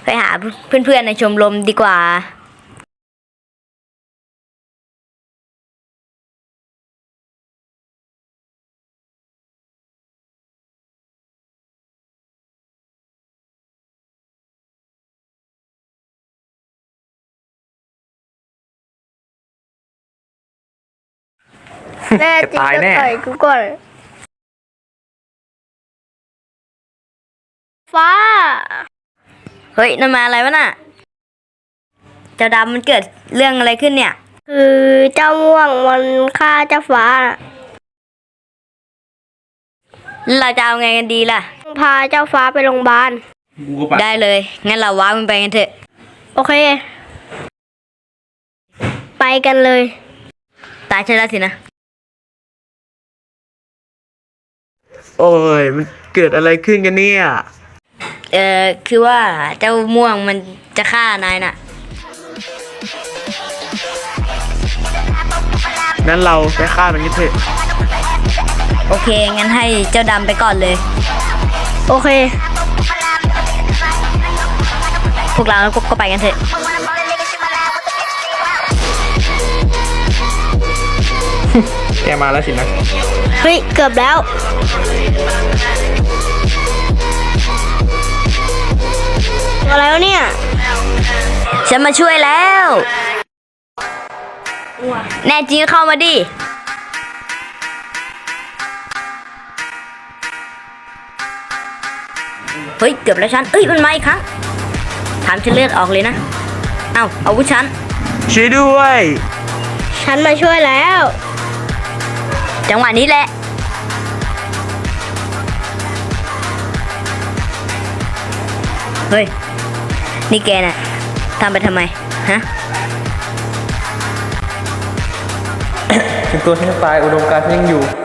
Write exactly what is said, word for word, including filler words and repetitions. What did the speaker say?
ไปหาเพื่อนๆในชมรมดีกว่าแน่จริงตายก็แน่ต่อยกูก่อนฟ้าเฮ้ยนั่นมาอะไรวะน่ะเจ้าดำมันเกิดเรื่องอะไรขึ้นเนี่ยคือเจ้าม่วงมันฆ่าเจ้าฟ้าเราจะเอาไงกันดีล่ะพาเจ้าฟ้าไปโรงพยาบาลกูก็ไปได้เลยงั้นเราว้ามันไปกันเถอะโอเค ไปกันเลยตายใช่แล้วสินะโอ้ยมันเกิดอะไรขึ้นกันเนี่ยเออคือว่าเจ้าม่วงมันจะฆ่านายน่ะงั้นเราไปฆ่ามันกันเถอะโอเคงั้นให้เจ้าดำไปก่อนเลยโอเคพวกเราก็ไปกันเถอะแกมาแล้วสินะเฮ้ย เกือบแล้วอะไรวะเนี่ยฉันมาช่วยแล้ว แน่จริงก็เข้ามาดิ เฮ้ย เกือบแล้วฉัน เอ้ย มันมาอีกครั้งถามฉันเลือดออกเลยนะ เอ้าเอาวุธฉันช่วยด้วยฉันมาช่วยแล้วจังหวะนี้แหละ เฮ้ย นี่แกน่ะทำไปทำไม ฮะถึงตัวฉันจะตายอุดมการณ์ฉันยังอยู่